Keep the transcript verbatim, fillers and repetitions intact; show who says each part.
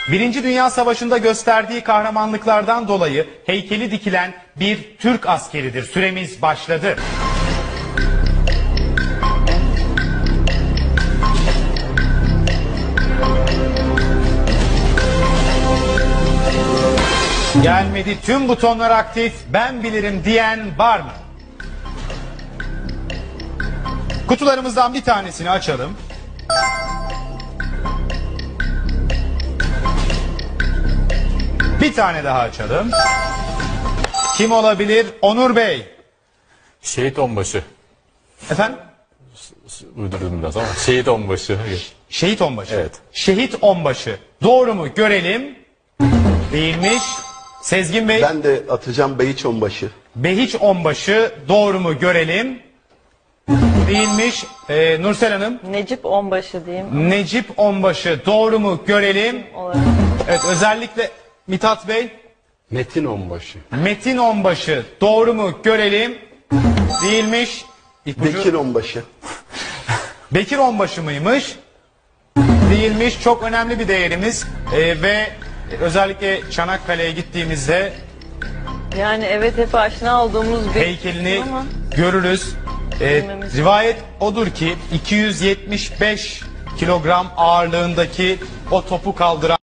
Speaker 1: Birinci Dünya Savaşı'nda gösterdiği kahramanlıklardan dolayı heykeli dikilen bir Türk askeridir. Süremiz başladı. Gelmedi, tüm butonlar aktif, ben bilirim diyen var mı? Kutularımızdan bir tanesini açalım. Bir tane daha açalım. Kim olabilir? Onur Bey.
Speaker 2: Şehit onbaşı.
Speaker 1: Efendim?
Speaker 2: Uydurdum biraz ama şehit onbaşı.
Speaker 1: Şehit onbaşı.
Speaker 2: Evet.
Speaker 1: Şehit onbaşı. Doğru mu? Görelim. Değilmiş. Sezgin Bey.
Speaker 3: Ben de atacağım Behiç Onbaşı.
Speaker 1: Behiç onbaşı. Doğru mu? Görelim. Değilmiş. Ee, Nursel Hanım.
Speaker 4: Necip Onbaşı diyeyim.
Speaker 1: Necip onbaşı. Doğru mu? Görelim.
Speaker 4: Olarak.
Speaker 1: Evet, özellikle Mithat Bey.
Speaker 3: Metin Onbaşı.
Speaker 1: Metin onbaşı. Doğru mu? Görelim. Değilmiş. İpucu.
Speaker 3: Bekir Onbaşı.
Speaker 1: Bekir onbaşı mıymış? Değilmiş. Çok önemli bir değerimiz. Ee, ve özellikle Çanakkale'ye gittiğimizde
Speaker 4: Yani evet hep aşina olduğumuz bir
Speaker 1: heykelini
Speaker 4: ama
Speaker 1: görürüz. Ee,
Speaker 4: Bilmemiz-
Speaker 1: rivayet odur ki iki yüz yetmiş beş kilogram ağırlığındaki o topu kaldıran